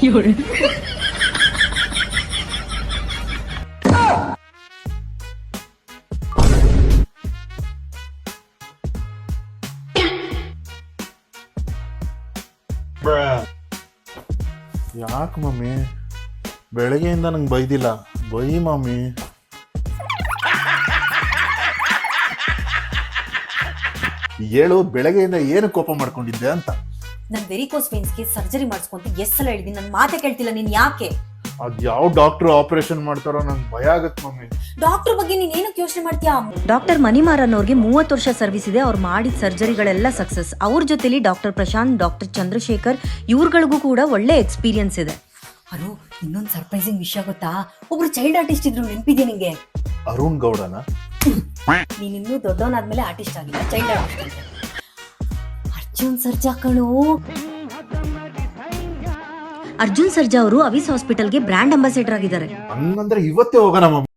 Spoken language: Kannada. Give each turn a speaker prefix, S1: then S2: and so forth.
S1: ಯಾಕೆ ಮಮ್ಮಿ ಬೆಳಗ್ಗೆಯಿಂದ ನಂಗೆ ಬೈದಿಲ್ಲ, ಬೈ ಮಮ್ಮಿ. ಹೇಳು, ಬೆಳಗ್ಗೆಯಿಂದ ಏನು ಕೋಪ ಮಾಡ್ಕೊಂಡಿದ್ದೆ ಅಂತ.
S2: ನನ್ ವೆರಿಕೋಸ್ ವೇನ್ಸ್ಗೆ ಸರ್ಜರಿ ಮಾಡಿಸ್ಕೊಂತ ಎಷ್ಟು ಸಲ ಹೇಳಿದೀನಿ, ನನ್ ಮಾತೆ ಕೇಳ್ತಿಲ್ಲ ನೀನ್. ಯಾಕೆ?
S1: ಅದ್ ಯಾವ ಡಾಕ್ಟರ್ ಆಪರೇಷನ್ ಮಾಡ್ತಾರೋ ನಂಗೆ ಭಯ ಆಗತ್ತೆ ಮಮ್ಮಿ.
S2: ಡಾಕ್ಟರ್ ಬಗ್ಗೆ ನೀನ್ ಏನಕ್ಕೆ ಯೋಚನೆ ಮಾಡ್ತೀಯಾ?
S3: ಡಾಕ್ಟರ್ ಮಣಿಮಾರನ್ ಅವ್ರಿಗೆ 30 ವರ್ಷ ಸರ್ವಿಸ್ ಇದೆ. ಅವ್ರು ಮಾಡಿದ ಸರ್ಜರಿಗಳೆಲ್ಲ ಸಕ್ಸಸ್. ಅವ್ರ ಜೊತೆಲಿ ಡಾಕ್ಟರ್ ಪ್ರಶಾಂತ್, ಡಾಕ್ಟರ್ ಚಂದ್ರಶೇಖರ್ ಇವ್ರುಗಳಿಗೂ ಕೂಡ ಒಳ್ಳೆ ಎಕ್ಸ್ಪೀರಿಯನ್ಸ್ ಇದೆ.
S2: ಅರು, ಇನ್ನೊಂದು ಸರ್ಪ್ರೈಸಿಂಗ್ ವಿಷಯ ಗೊತ್ತಾ? ಒಬ್ರು ಚೈಲ್ಡ್ ಆರ್ಟಿಸ್ಟ್ ಇದ್ರು, ನೆನ್ಪಿದ್ಯಾ ನಿಂಗೆ?
S1: ಅರುಣ್ ಗೌಡನ?
S2: ನೀನ್ ಇನ್ನೂ ದೊಡ್ಡವನಾದ್ಮೇಲೆ ಆರ್ಟಿಸ್ಟ್ ಆಗಿಲ್ಲ, ಚೈಲ್ಡ್ ಆರ್ಟಿಸ್ಟ್. ಅರ್ಜುನ್ ಸರ್ಜಾ ಕಣು.
S3: ಅರ್ಜುನ್ ಸರ್ಜಾ ಅವರು ಅವಿಸ್ ಹಾಸ್ಪಿಟಲ್ಗೆ ಬ್ರ್ಯಾಂಡ್ ಅಂಬಾಸಿಡರ್ ಆಗಿದ್ದಾರೆ.
S1: ಹಂಗಂದ್ರೆ ಇವತ್ತೇ ಹೋಗೋಣ ಮಮ್ಮಿ.